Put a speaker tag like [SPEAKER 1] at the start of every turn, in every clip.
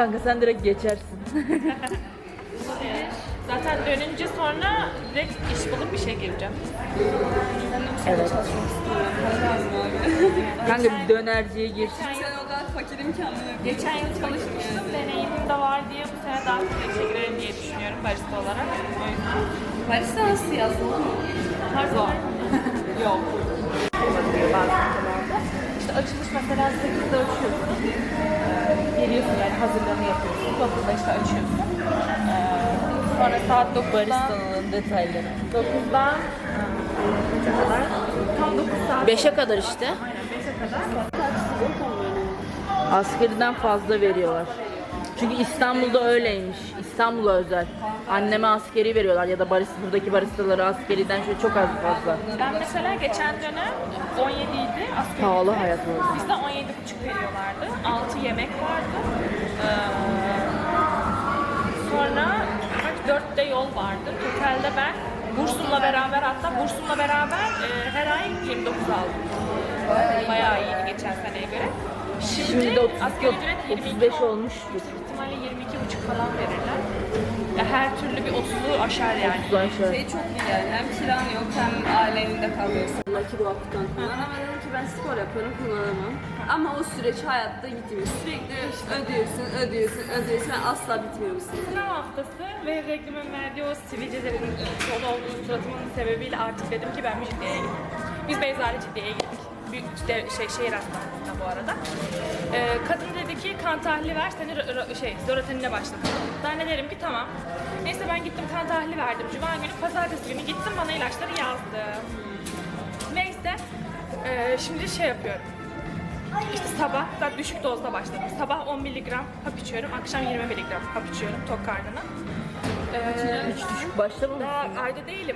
[SPEAKER 1] Kanka sen direkt geçersin.
[SPEAKER 2] Zaten dönünce sonra direkt iş bulup işe gireceğim.
[SPEAKER 1] Evet. Kanka bir dönerciye gir.
[SPEAKER 3] Sen o kadar fakirim ki anlamıyorum.
[SPEAKER 2] Geçen yıl çalışmıştım. Deneyimim de var diye bu sene daha çok işe girerim diye düşünüyorum barista olarak. O yüzden.
[SPEAKER 3] Barista nasıl yazdın ama?
[SPEAKER 2] Zor. Yok. İşte açılış mesela 8'de açıyorsun. Geliyorsun yani hazırlığını yapıyorsun. 9'da işte açıyorsun. Sonra saat 9'dan
[SPEAKER 1] Baristanın detayları.
[SPEAKER 2] 9'dan kaça kadar? Tam 9 saat.
[SPEAKER 1] 5'e kadar işte.
[SPEAKER 2] Aynen 5'e kadar.
[SPEAKER 1] Askeriden fazla veriyorlar. Çünkü İstanbul'da öyleymiş. İstanbul'a özel. Anneme askeri veriyorlar ya da buradaki baristaları askeriden şöyle çok az fazla.
[SPEAKER 2] Ben mesela geçen dönem 17 idi asgari.
[SPEAKER 1] Pahalı hayat orada.
[SPEAKER 2] Bizde 17,5 veriyorlardı. 6 yemek vardı. Sonra 4'te yol vardı. Totalde ben bursumla beraber her ay 29 aldım. Bayağı iyiydi geçen seneye göre.
[SPEAKER 1] Şimdi de 30
[SPEAKER 2] asgari
[SPEAKER 1] yok,
[SPEAKER 2] ücret 22
[SPEAKER 1] 35 olmuştur.
[SPEAKER 2] Büyük ihtimalle 22,5 falan verirler. Ya her türlü bir 30'u aşar yani.
[SPEAKER 1] Ulan şöyle.
[SPEAKER 3] Şey çok iyi yani. Hem kiran yok hem aile evinde kalıyorsun. Lucky Block'tan kullan ama dedim ki ben spor yapıyorum kullanamam. Ama o süreç hayatta gitmiyor. Sürekli ödüyorsun. Ben asla bitmiyor bu süreç.
[SPEAKER 2] Sınav haftası ve reklamın verdiği o sivilcelerin dolu olduğu suratımın sebebiyle artık dedim ki ben Mecidiye'ye gideyim. Biz Beyza ile Ciddiye'ye gittik. Büyük şehir hastanesinde bu arada. Kadın dedi ki kan tahlili ver seni zoratenine başlatalım. Ben de derim ki tamam. Neyse ben gittim kan tahlili verdim. Cuma günü pazartesi günü gittim bana ilaçları yazdı. Neyse şimdi şey yapıyorum. İşte sabah zaten düşük dozda başladım. Sabah 10 mg hap içiyorum, akşam 20 mg hap içiyorum tok karnına.
[SPEAKER 1] Hiç düşük başlamamış.
[SPEAKER 2] Daha ayda değilim.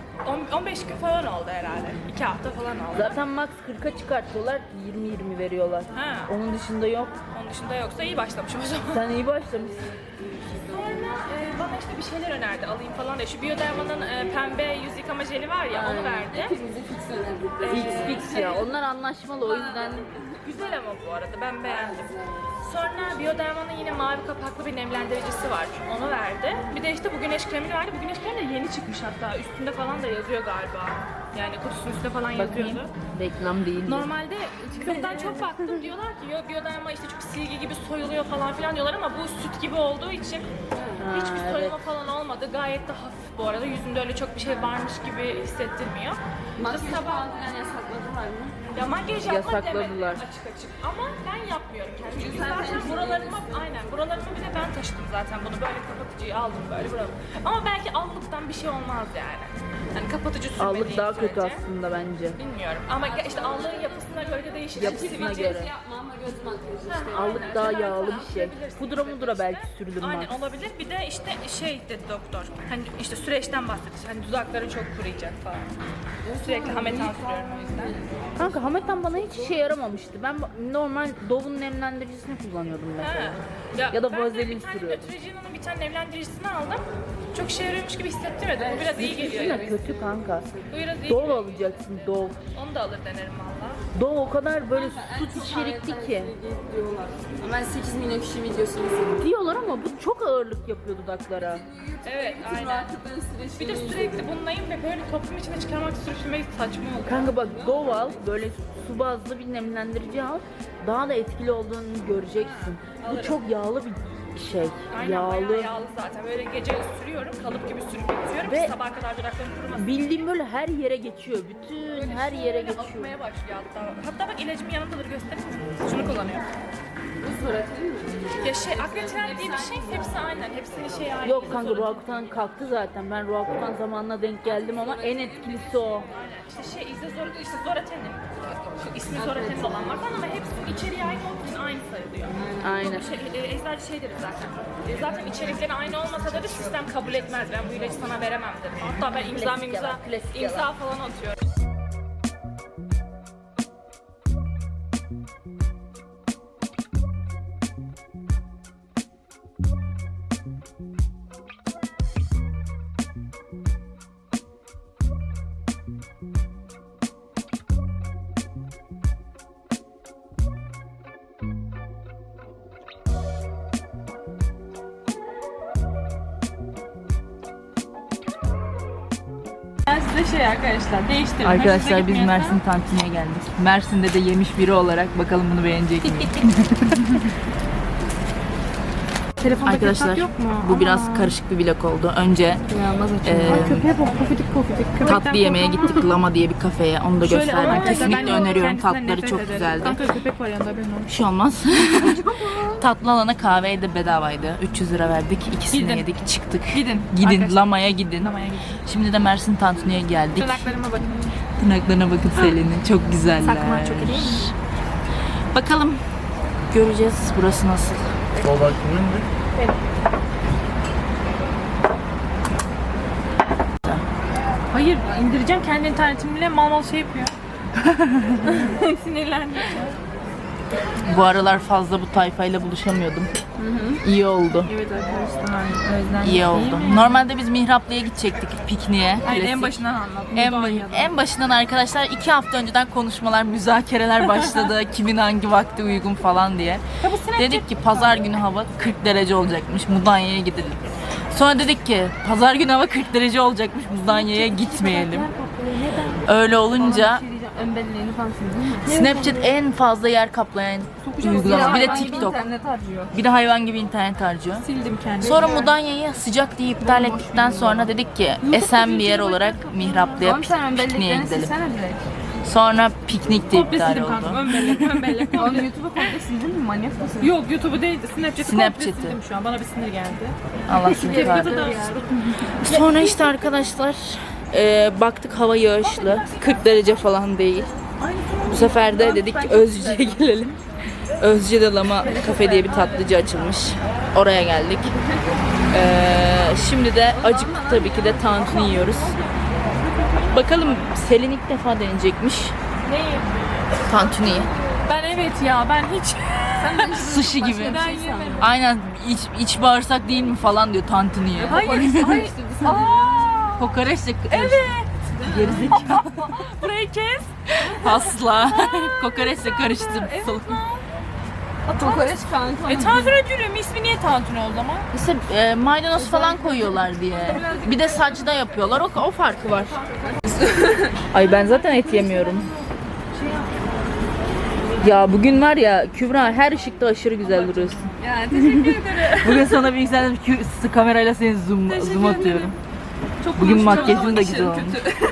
[SPEAKER 2] 15 gün falan oldu herhalde. 2 hafta falan oldu.
[SPEAKER 1] Zaten max 40'a çıkartıyorlar, 20-20 veriyorlar.
[SPEAKER 2] Ha.
[SPEAKER 1] Onun dışında yok.
[SPEAKER 2] Onun dışında yoksa iyi başlamışım o zaman.
[SPEAKER 1] Sen iyi başlamışsın.
[SPEAKER 2] Sonra bana işte bir şeyler önerdi alayım falan diye. Şu Bioderma'nın pembe yüz yıkama jeli var ya onu verdi.
[SPEAKER 3] Hepimizi fix önerdik.
[SPEAKER 1] Fix ya. Onlar anlaşmalı o yüzden.
[SPEAKER 2] Güzel ama bu arada ben beğendim. Sonra Bioderma'nın yine mavi kapaklı bir nemlendiricisi var. Onu verdi. Bir de işte bu güneş kremini verdi. Bu güneş kremi de yeni çıkmış hatta. Üstünde falan da yazıyor galiba. Yani kutusunun üstünde falan yazıyordu.
[SPEAKER 1] Reklam değil.
[SPEAKER 2] Normalde TikTok'tan çok baktım diyorlar ki yok Bioderma işte çok silgi gibi soyuluyor falan filan diyorlar ama bu süt gibi olduğu için hiçbir soyulma falan olmadı. Gayet de hafif bu arada. Yüzünde öyle çok bir şey varmış gibi hissettirmiyor.
[SPEAKER 3] Makyaj
[SPEAKER 2] İşte sabah
[SPEAKER 3] falan filan yasakladılar mı?
[SPEAKER 2] ya makyaj yapmak
[SPEAKER 1] Yasakladılar.
[SPEAKER 2] demedim açık ama ben yapmıyorum kendim. Çünkü
[SPEAKER 3] Sen
[SPEAKER 2] zaten
[SPEAKER 3] temizliyorsun.
[SPEAKER 2] buralarıma bir de ben taşıdım zaten bunu böyle kapatıcıyı aldım böyle buralarıma. Ama belki allıktan bir şey olmaz yani. Hani kapatıcı sürmediğim
[SPEAKER 1] Allık daha kötü
[SPEAKER 2] sürece.
[SPEAKER 1] aslında bence.
[SPEAKER 2] Bilmiyorum ama işte allığın yapısına göre de değişir.
[SPEAKER 1] Yapısına
[SPEAKER 2] Sivilce-
[SPEAKER 1] göre.
[SPEAKER 3] Yapma ama göz makyajı işte.
[SPEAKER 1] Allık daha
[SPEAKER 2] Aynen.
[SPEAKER 1] yağlı bir şey.
[SPEAKER 2] Sürebilirsin
[SPEAKER 1] Pudra
[SPEAKER 2] tabii
[SPEAKER 1] mudra
[SPEAKER 2] işte.
[SPEAKER 1] belki sürülür
[SPEAKER 2] Aynen
[SPEAKER 1] max.
[SPEAKER 2] olabilir. Bir de işte şey dedi doktor. Hani işte süreçten bahsetti. Hani dudakların çok kuruyacak falan. Sürekli hametan sürüyorum o yüzden.
[SPEAKER 1] Kanka Hametan bana hiç işe yaramamıştı. Ben normal Dove'un nemlendiricisini kullanıyordum mesela. Ya da
[SPEAKER 2] ben de
[SPEAKER 1] vazelin
[SPEAKER 2] bir tane
[SPEAKER 1] sürüyordum.
[SPEAKER 2] Neutrogena'nın bir tane nemlendiricisini aldım. Çok işe yarıyormuş gibi hissettirmedim. Bu biraz iyi geliyor.
[SPEAKER 1] Yine kötü kanka.
[SPEAKER 2] Bu biraz iyi
[SPEAKER 1] Dove
[SPEAKER 2] geliyor.
[SPEAKER 1] alacaksın Dove.
[SPEAKER 2] Onu da alır denerim valla.
[SPEAKER 1] Dove o kadar böyle süt içerikli ki.
[SPEAKER 3] Diyorlar. Ben 8 milyon kişi videosunu izledim.
[SPEAKER 1] Diyorlar ama bu çok ağırlık yapıyor dudaklara.
[SPEAKER 2] Evet aynen. Bir de sürekli bunlayım ve böyle toplum içine çıkarmak sürüşmek saçma oluyor.
[SPEAKER 1] Kanka bak Dove al, böyle su bazlı bir nemlendirici al. Daha da etkili olduğunu göreceksin. Bu
[SPEAKER 2] Alırım.
[SPEAKER 1] çok yağlı bir şey.
[SPEAKER 2] Aynen bayağı yağlı zaten. Böyle gece sürüyorum, kalıp gibi sürüp yatıyorum
[SPEAKER 1] Ve
[SPEAKER 2] ki sabaha kadar dudaklarım kurumasın.
[SPEAKER 1] Bildiğim böyle her yere geçiyor. Bütün her yere
[SPEAKER 2] Böyle
[SPEAKER 1] geçiyor.
[SPEAKER 2] akmaya başlıyor hatta. Hatta bak ilacımı yanındadır göstereyim mi? Şunu kullanıyorum.
[SPEAKER 3] Bu suratı değil mi?
[SPEAKER 2] Ya Akretren diye bir şey hepsi aynen. Hepsinin şeyi aynı.
[SPEAKER 1] Yok kanka Roakutan kalktı zaten. Ben Roakutan zamanına denk geldim ama en etkilisi o.
[SPEAKER 2] İşte işte Zoraten'in. İsmi Zoraten'in olan var falan ama hepsinin içeriği aynı olduğu için aynı sayılıyor.
[SPEAKER 1] Aynen.
[SPEAKER 2] Eczacı şey deriz zaten. Zaten içerikleri aynı olmasa da sistem kabul etmez. Ben bu ilacı sana veremem dedim. Hatta ben
[SPEAKER 1] Klasik
[SPEAKER 2] imza
[SPEAKER 1] yalan.
[SPEAKER 2] falan atıyorum. şey arkadaşlar. Değiştirin.
[SPEAKER 1] Arkadaşlar
[SPEAKER 2] Hoşunuza
[SPEAKER 1] biz
[SPEAKER 2] gitmiyorsa-
[SPEAKER 1] Mersin tantuniye geldik. Mersin'de de yemiş biri olarak bakalım bunu beğenecek mi?
[SPEAKER 2] Telefonda
[SPEAKER 1] Arkadaşlar
[SPEAKER 2] ketçap yok mu?
[SPEAKER 1] bu biraz karışık bir vlog oldu. Önce
[SPEAKER 2] Köpeğe bak, pofidik pofidik.
[SPEAKER 1] tatlı yemeye gittik Lama diye bir kafeye. Onu da
[SPEAKER 2] Şöyle
[SPEAKER 1] gösterdim.
[SPEAKER 2] ama
[SPEAKER 1] Kesinlikle
[SPEAKER 2] ben
[SPEAKER 1] öneriyorum.
[SPEAKER 2] kendisinden
[SPEAKER 1] Tatları
[SPEAKER 2] nefret
[SPEAKER 1] çok
[SPEAKER 2] ederim.
[SPEAKER 1] güzeldi.
[SPEAKER 2] Kanka köpek var yanında, benim
[SPEAKER 1] Bir şey olmaz. Tatlı alana kahve de bedavaydı. 300 lira verdik. İkisini
[SPEAKER 2] Gidin.
[SPEAKER 1] yedik. Çıktık.
[SPEAKER 2] Gidin.
[SPEAKER 1] Gidin.
[SPEAKER 2] Arkadaşlar.
[SPEAKER 1] Lama'ya gidin.
[SPEAKER 2] Lama'ya gidin.
[SPEAKER 1] Şimdi de Mersin Tantuni'ye geldik.
[SPEAKER 2] Tırnaklarıma bakın.
[SPEAKER 1] Tırnaklarına bakın Selin'in. Çok güzeller.
[SPEAKER 2] Sakman çok iyi değil mi?
[SPEAKER 1] Bakalım. Göreceğiz burası nasıl.
[SPEAKER 2] Hayır, indireceğim kendi internetimle mal mal şey yapıyor. Sinirlendim.
[SPEAKER 1] Bu aralar fazla bu tayfayla buluşamıyordum. İyi oldu.
[SPEAKER 2] Evet arkadaşlar, özlem.
[SPEAKER 1] İyi oldu. Normalde biz Mihraplı'ya gidecektik pikniğe.
[SPEAKER 2] Hayır, en
[SPEAKER 1] Klasik.
[SPEAKER 2] başından anlattım.
[SPEAKER 1] En başından arkadaşlar 2 hafta önceden konuşmalar, müzakereler başladı. Kimin hangi vakti uygun falan diye.
[SPEAKER 2] Ya bu Snapchat-
[SPEAKER 1] Dedik ki pazar günü hava 40 derece olacakmış. Mudanya'ya gidelim. Sonra dedik ki pazar günü hava 40 derece olacakmış. Mudanya'ya gitmeyelim. Öyle olunca
[SPEAKER 3] Ön belleğini falan sildin mi?
[SPEAKER 1] Snapchat en fazla yer kaplayan uygulama. Bir de
[SPEAKER 3] Hayvan gibi
[SPEAKER 1] TikTok.
[SPEAKER 3] internet harcıyor.
[SPEAKER 1] Bir de hayvan gibi internet harcıyor.
[SPEAKER 2] Sildim kendimi.
[SPEAKER 1] Sonra Mudanya'yı sıcak diye iptal ettikten sonra dedik ki esen bir yer olarak Mihraplı'ya
[SPEAKER 3] Oğlum sen ön
[SPEAKER 1] pikniğe
[SPEAKER 3] belleğini
[SPEAKER 1] gidelim.
[SPEAKER 3] silsene direkt.
[SPEAKER 1] Sonra piknik de
[SPEAKER 2] Komple
[SPEAKER 1] iptal
[SPEAKER 2] sildim kanka.
[SPEAKER 1] oldu.
[SPEAKER 2] Ön bellek, ön bellek.
[SPEAKER 3] Oğlum YouTube'u komple sildin mi? Manyak mısın?
[SPEAKER 2] Yok, YouTube'u değil, Snapchat'ı komple
[SPEAKER 1] Snapchat'i.
[SPEAKER 2] sildim şu an. Bana bir sinir geldi.
[SPEAKER 1] Allah seni
[SPEAKER 2] Tepkide
[SPEAKER 1] kahretsin.
[SPEAKER 2] de
[SPEAKER 1] Sonra işte arkadaşlar baktık hava yağışlı. 40 derece falan değil. Bu sefer de dedik ki Özcü'ye gelelim. Özcü'de Lama Kafe diye bir tatlıcı açılmış. Oraya geldik. Şimdi de acıktık tabii ki de tantuni yiyoruz. Bakalım Selin ilk defa deneyecekmiş
[SPEAKER 2] Neyi?
[SPEAKER 1] tantuniyi.
[SPEAKER 2] Ben evet ya, ben hiç...
[SPEAKER 1] Sushi gibi.
[SPEAKER 2] Ben yemedim.
[SPEAKER 1] Aynen iç bağırsak değil mi falan diyor tantuniye.
[SPEAKER 2] Hayır, hayır. Aa,
[SPEAKER 1] Kokoreçle
[SPEAKER 2] evet.
[SPEAKER 1] gerizekalı.
[SPEAKER 2] Burayı kes.
[SPEAKER 1] Asla. Kokoreçle karıştırdım.
[SPEAKER 3] Kokoreç kanka.
[SPEAKER 2] Tantuni dürüm, ismi niye tantuni o zaman?
[SPEAKER 1] İşte maydanoz falan koyuyorlar diye. Bir de saçta yapıyorlar. O farkı var. Ay ben zaten et yemiyorum. Ya bugün var ya Kübra her ışıkta aşırı güzel duruyorsun.
[SPEAKER 3] Yani teşekkür ederim.
[SPEAKER 1] Bugün sana bir yükseldim kamerayla seni zoom atıyorum. Bugün makyajın da güzel olmuş.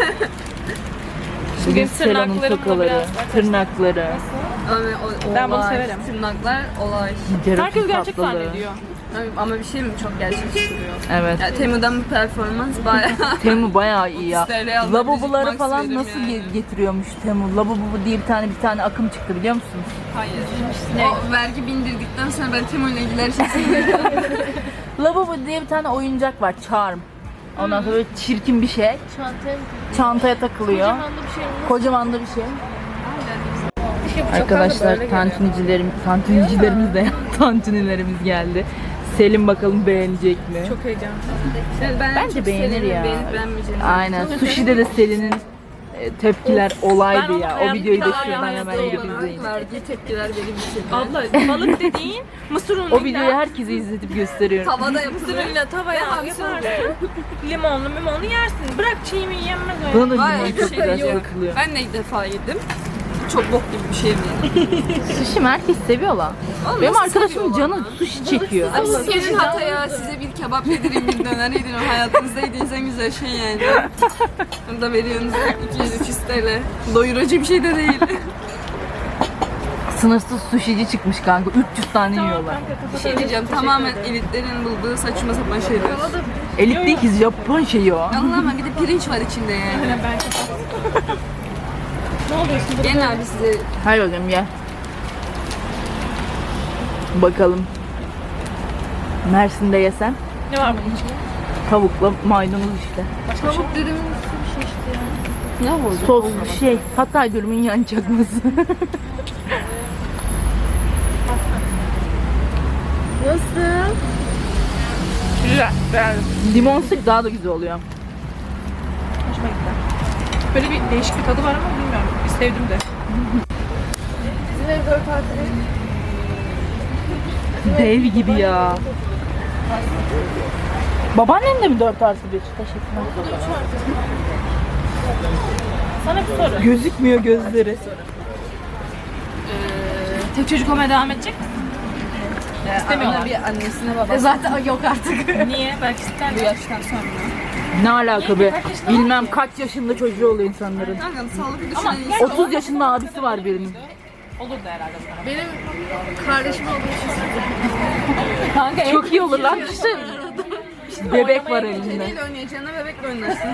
[SPEAKER 1] Bugün Sela'nın
[SPEAKER 2] tırnaklarım da
[SPEAKER 1] tokaları,
[SPEAKER 2] biraz-
[SPEAKER 1] tırnakları.
[SPEAKER 2] Ben bunu
[SPEAKER 3] olay,
[SPEAKER 2] severim.
[SPEAKER 3] Tırnaklar olay.
[SPEAKER 2] Herkes gerçek
[SPEAKER 1] tatlılığı.
[SPEAKER 2] zannediyor.
[SPEAKER 3] Ama bir şey mi çok gerçekçi duruyor.
[SPEAKER 1] Evet.
[SPEAKER 3] Ya Temu'dan bir performans bayağı.
[SPEAKER 1] Temu bayağı iyi ya.
[SPEAKER 3] 30 TL aldım,
[SPEAKER 1] Lavaboları
[SPEAKER 3] müzik
[SPEAKER 1] falan
[SPEAKER 3] max
[SPEAKER 1] nasıl
[SPEAKER 3] verim yani.
[SPEAKER 1] getiriyormuş Temu? Lavabo diye bir tane akım çıktı biliyor musunuz?
[SPEAKER 3] Hayır. O vergi bindirdikten sonra ben Temu'yla ilgili her şeyi seviyorum.
[SPEAKER 1] Lavabo diye bir tane oyuncak var, Charm. Ondan sonra böyle çirkin bir şey. Çantaya takılıyor. Kocaman da bir şey. Arkadaşlar tantunicilerimiz de tantunilerimiz geldi. Selim bakalım beğenecek mi?
[SPEAKER 2] Çok heyecanlı.
[SPEAKER 3] Ben
[SPEAKER 1] Bence
[SPEAKER 3] çok
[SPEAKER 1] beğenir
[SPEAKER 3] severim,
[SPEAKER 1] ya.
[SPEAKER 3] beğenip beğenmeyeceğini.
[SPEAKER 1] Aynen. Sushi'de de Selin'in tepkiler olaydı
[SPEAKER 2] Ben onu
[SPEAKER 1] ya. O
[SPEAKER 2] hayatımda
[SPEAKER 1] videoyu da
[SPEAKER 2] daha
[SPEAKER 1] şuradan
[SPEAKER 2] hayatta
[SPEAKER 1] hemen gidip
[SPEAKER 3] Olarak
[SPEAKER 1] izleyin.
[SPEAKER 3] verdiği tepkiler benim için.
[SPEAKER 2] Abla balık dediğin mısır unuyla.
[SPEAKER 1] O videoyu herkese izletip gösteriyorum.
[SPEAKER 3] Tavada
[SPEAKER 2] Mısır
[SPEAKER 3] yapılıyor.
[SPEAKER 2] unuyla tavaya yaparsın. Limonlu yenirsin. Bırak çiğ mi yenmez öyle.
[SPEAKER 1] Buna da
[SPEAKER 3] Var
[SPEAKER 1] limon
[SPEAKER 3] ya bir
[SPEAKER 1] çok
[SPEAKER 3] şey
[SPEAKER 1] güzel
[SPEAKER 3] yok.
[SPEAKER 1] sıkılıyor.
[SPEAKER 3] Ben de ilk defa yedim. Çok bok gibi bir şey mi?
[SPEAKER 1] Sushi mi? Herkes seviyor lan.
[SPEAKER 3] Oğlum
[SPEAKER 1] Benim
[SPEAKER 3] nasıl
[SPEAKER 1] arkadaşımın
[SPEAKER 3] seviyorlar
[SPEAKER 1] canı
[SPEAKER 3] lan?
[SPEAKER 1] sushi çekiyor.
[SPEAKER 3] Abi siz gelin Hatay'a size bir kebap yedireyim, bir döner yedireyim. Hayatınızda yediğiniz en güzel şey yani. Bunu da veriyorsunuz 200-300 TL. Doyurucu bir şey de değil.
[SPEAKER 1] Sınırsız sushici çıkmış kanka. 300 tane yiyorlar.
[SPEAKER 3] Bir şey diyeceğim, tamamen elitlerin bulduğu saçma sapan şeyler.
[SPEAKER 1] Elit değil ki Japon şeyi o.
[SPEAKER 3] Allah'ım bir de pirinç var içinde yani. Gelin abi size
[SPEAKER 1] Hay bakalım gel. Bakalım. Mersin'de yesem
[SPEAKER 2] Ne var bunun içinde?
[SPEAKER 1] tavukla maydanoz işte.
[SPEAKER 3] tavuk dürüm ne oldu?
[SPEAKER 1] Sos Hatay dürümün yan çakması.
[SPEAKER 3] Nasıl?
[SPEAKER 2] Güzel. Beğendim.
[SPEAKER 1] Limon sık daha da güzel oluyor.
[SPEAKER 2] Hoşuma gitti. Böyle bir değişik bir tadı var ama bilmiyorum. Biz sevdim de.
[SPEAKER 1] Dev gibi ya. Babaannen de mi 4+1? Teşekkürler.
[SPEAKER 2] Sana bir soru.
[SPEAKER 1] Gözükmüyor gözleri.
[SPEAKER 2] Tek çocuk olmaya devam edecek misin? İstemiyorlar.
[SPEAKER 3] Bir annesine babasına.
[SPEAKER 4] Zaten yok artık.
[SPEAKER 2] Niye? Belki ister
[SPEAKER 3] Bu yaştan sonra.
[SPEAKER 1] Ne alaka be? Bilmem kaç yaşında çocuğu oluyor insanların.
[SPEAKER 3] Kanka sağlıklı düşünün.
[SPEAKER 1] 30 yaşında abisi var birinin.
[SPEAKER 2] Olurdu herhalde sana.
[SPEAKER 4] Benim kardeşim olduğu için
[SPEAKER 2] Kanka
[SPEAKER 1] Çok iyi olur lan. İşte bebek var elinde.
[SPEAKER 3] Kediyle oynayacağına bebekle oynarsın.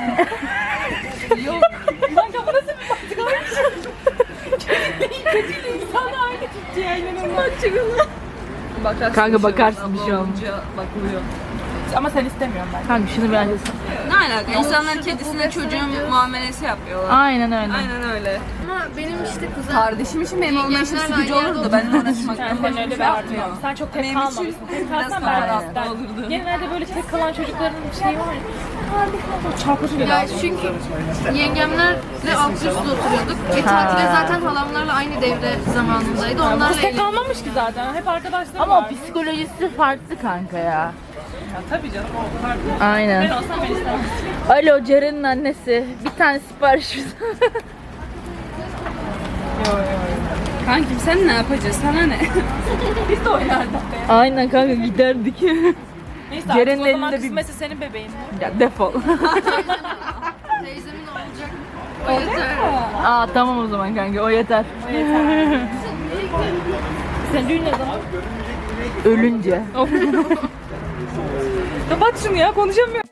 [SPEAKER 2] Kanka bu nasıl bir mantık abi? Kötüyle insanla aynı tuttu ya inanılmaz.
[SPEAKER 3] Bakarsın
[SPEAKER 1] Kanka
[SPEAKER 3] bir şey
[SPEAKER 1] bakarsın bir
[SPEAKER 3] olmaz,
[SPEAKER 1] şey
[SPEAKER 3] abla
[SPEAKER 1] olmaz.
[SPEAKER 3] olunca bakılıyor.
[SPEAKER 2] Ama sen istemiyorsun ben.
[SPEAKER 1] Kanka şunu bence...
[SPEAKER 3] Ne alaka? İnsanlar kedisine çocuğun muamelesi yapıyorlar.
[SPEAKER 1] Aynen öyle.
[SPEAKER 3] Aynen öyle.
[SPEAKER 4] ama benim işte kuzen
[SPEAKER 3] Kardeşim için benim olma işim
[SPEAKER 4] Yengemlerle
[SPEAKER 3] sıkıcı
[SPEAKER 4] aynı yerde
[SPEAKER 3] olurdu. Benimle uğraşmaktan
[SPEAKER 2] Sen
[SPEAKER 3] başka
[SPEAKER 2] öyle
[SPEAKER 3] bir
[SPEAKER 2] bir
[SPEAKER 3] şey
[SPEAKER 2] artı
[SPEAKER 3] yapmıyor.
[SPEAKER 2] yok. Sen çok tek
[SPEAKER 3] Benim
[SPEAKER 2] kalmamışsın.
[SPEAKER 3] için
[SPEAKER 2] Tek
[SPEAKER 3] biraz
[SPEAKER 2] kalsan
[SPEAKER 3] daha
[SPEAKER 2] ben
[SPEAKER 3] rahat
[SPEAKER 2] isterdim.
[SPEAKER 3] olurdu.
[SPEAKER 2] Genelde böyle tek kalan çocukların şeyi var ya. Çarpıcı bir
[SPEAKER 4] ya
[SPEAKER 2] lazım.
[SPEAKER 4] çünkü yengemlerle alt üst oturuyorduk. Tatile zaten halamlarla aynı devre zamanındaydı. Onlarla
[SPEAKER 2] Kız tek
[SPEAKER 4] eğlendik.
[SPEAKER 2] kalmamış ki zaten. Hep arkadaşlarım
[SPEAKER 1] Ama
[SPEAKER 2] var.
[SPEAKER 1] o psikolojisi farklı kanka ya.
[SPEAKER 2] Ya, tabii canım o farklı. Ben
[SPEAKER 1] Aynen.
[SPEAKER 2] olsam ben istemem.
[SPEAKER 1] Alo Ceren'in annesi. Bir tane sipariş
[SPEAKER 3] Kankim sen ne yapacaksın? Sana ne?
[SPEAKER 2] Biz de oynardık be.
[SPEAKER 1] Aynen kanka giderdik.
[SPEAKER 2] Neyse
[SPEAKER 1] Ceren'in
[SPEAKER 2] artık o zaman
[SPEAKER 1] elinde bir-
[SPEAKER 2] kısmetse senin bebeğin.
[SPEAKER 1] Ya defol.
[SPEAKER 4] Teyzemin olacak. O yeter.
[SPEAKER 1] Aa tamam o zaman kanka o yeter.
[SPEAKER 2] Senin düğün ne zaman?
[SPEAKER 1] Ölünce.
[SPEAKER 2] Kapat şunu ya konuşamıyorum.